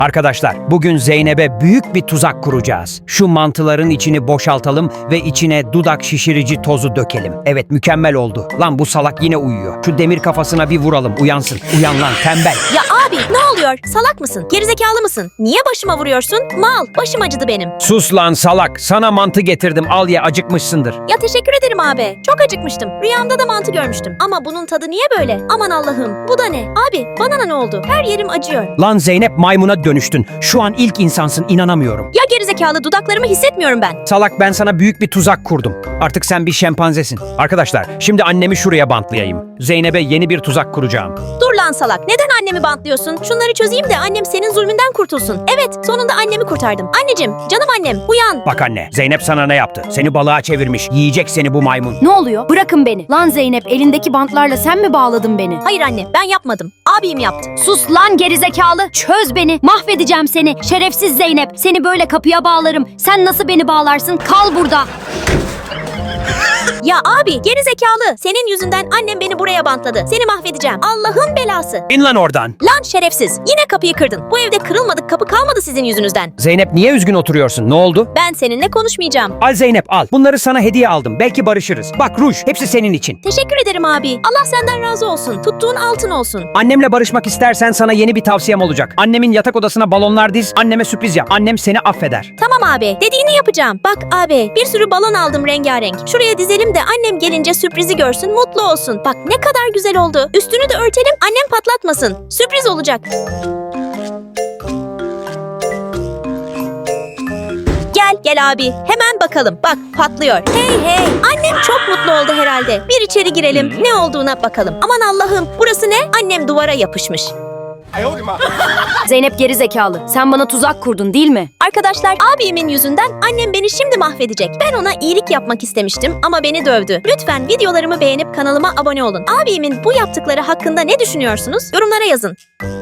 Arkadaşlar, bugün Zeynep'e büyük bir tuzak kuracağız. Şu mantıların içini boşaltalım ve içine dudak şişirici tozu dökelim. Evet, mükemmel oldu. Lan bu salak yine uyuyor. Şu demir kafasına bir vuralım, uyansın. Uyan lan tembel. Ya abi ne oluyor? Salak mısın? Gerizekalı mısın? Niye başıma vuruyorsun? Mal, başım acıdı benim. Sus lan salak. Sana mantı getirdim. Al ye, acıkmışsındır. Ya teşekkür ederim abi. Çok acıkmıştım. Rüyamda da mantı görmüştüm. Ama bunun tadı niye böyle? Aman Allah'ım. Bu da ne? Abi bana ne oldu? Her yerim acıyor. Lan Zeynep, maymuna dönüştün. Şu an ilk insansın, inanamıyorum. Ya gerizekalı, dudaklarımı hissetmiyorum ben. Salak, ben sana büyük bir tuzak kurdum. Artık sen bir şempanzesin. Arkadaşlar, şimdi annemi şuraya bantlayayım. Zeynep'e yeni bir tuzak kuracağım. Dur lan salak. Neden annemi bantlıyorsun? Şunları çözeyim de annem senin zulmünden kurtulsun. Evet, sonunda annemi kurtardım. Anneciğim, canım annem, uyan. Bak anne, Zeynep sana ne yaptı? Seni balığa çevirmiş. Yiyecek seni bu maymun. Ne oluyor? Bırakın beni. Lan Zeynep, elindeki bantlarla sen mi bağladın beni? Hayır anne, ben yapmadım. Abim yaptı. Sus lan gerizekalı. Çöz beni. Mahvedeceğim seni. Şerefsiz Zeynep. Seni böyle kapıya bağlarım. Sen nasıl beni bağlarsın? Kal burada. Ya abi, gerizekalı. Senin yüzünden annem beni buraya bantladı. Seni mahvedeceğim. Allah'ın belası. İn lan oradan. Lan şerefsiz. Yine kapıyı kırdın. Bu evde kırılmadık kapı kalmadı sizin yüzünüzden. Zeynep, niye üzgün oturuyorsun? Ne oldu? Ben seninle konuşmayacağım. Al Zeynep, al. Bunları sana hediye aldım. Belki barışırız. Bak ruj, hepsi senin için. Teşekkür ederim abi. Allah senden razı olsun. Tuttuğun altın olsun. Annemle barışmak istersen sana yeni bir tavsiyem olacak. Annemin yatak odasına balonlar diz, anneme sürpriz yap. Annem seni affeder. Tamam abi. Dediğini yapacağım. Bak abi, bir sürü balon aldım rengarenk. Şuraya dizelim de annem gelince sürprizi görsün, mutlu olsun. Bak ne kadar güzel oldu. Üstünü de örtelim, annem patlatmasın. Sürpriz olacak. Gel abi. Hemen bakalım. Bak patlıyor. Hey. Annem çok mutlu oldu herhalde. Bir içeri girelim. Ne olduğuna bakalım. Aman Allah'ım. Burası ne? Annem duvara yapışmış. Zeynep gerizekalı. Sen bana tuzak kurdun değil mi? Arkadaşlar, abimin yüzünden annem beni şimdi mahvedecek. Ben ona iyilik yapmak istemiştim ama beni dövdü. Lütfen videolarımı beğenip kanalıma abone olun. Abimin bu yaptıkları hakkında ne düşünüyorsunuz? Yorumlara yazın.